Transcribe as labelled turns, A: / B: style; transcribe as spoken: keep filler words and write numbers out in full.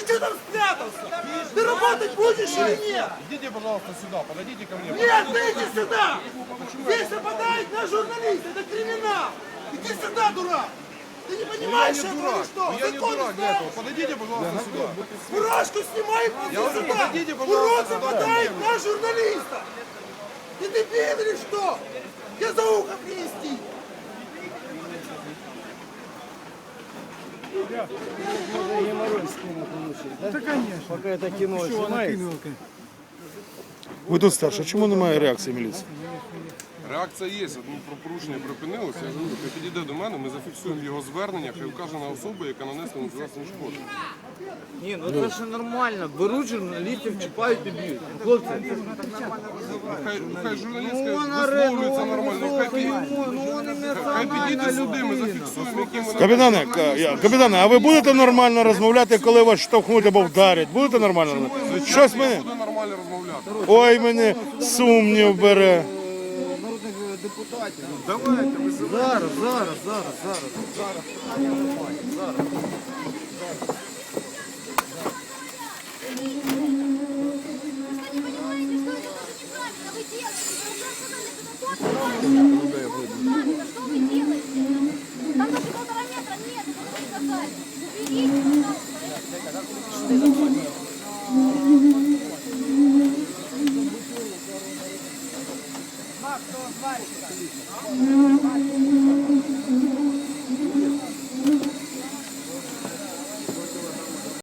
A: что там спрятался? Ты работать будешь или нет?
B: Идите, пожалуйста, сюда, подойдите ко мне.
A: Нет, ты иди сюда! Здесь нападает на журналиста, это криминал! Иди сюда, дурак! Ты не понимаешь
B: Я не
A: этого
B: дурак,
A: или что?
B: я не
A: Закон
B: дурак для
A: знаешь?
B: этого. Подойдите, пожалуйста, сюда.
A: Фуражку снимай и иди
B: говорю,
A: сюда!
B: подойдите, пожалуйста,
A: Урод
B: сюда.
A: нападает на журналиста! Ты дебил или что? Я за ухо принести!
C: Да, конечно. Пока это кино снимается.
D: Ви тут старше, чому немає реакції міліції?
B: Реакція є, ну, про порушення припинилося. Я говорю, хай підійде до мене, ми зафіксуємо його звернення, хай вкаже на особу, яка нанесла незаслужену шкоду.
C: Ні, ну це ж нормально. Беруть журналістів, чіпають і б'ють. Хлопці,
B: Хай, хай журналістка
C: ну вона
B: висловлюється нормально, хай, пі-
C: ну вони не
B: хай підійде
C: нормальна
B: сюди, ми
C: людина.
B: зафіксуємо, які ми
D: Капітане, ка- я- капітане, а ви будете нормально розмовляти, коли вас штовхнуть або вдарять? Будете нормально розмовляти? Щось мене.
B: буде нормально розмовляти.
D: Ой, мене сумнів бере.
C: Народних депутатів. Давайте, визивайте. Зараз, зараз, зараз, зараз. Зараз. Нормально, зараз.
E: Вы понимаете, что это тоже неправильно. Вы делаете. Вы просто надо куда-то.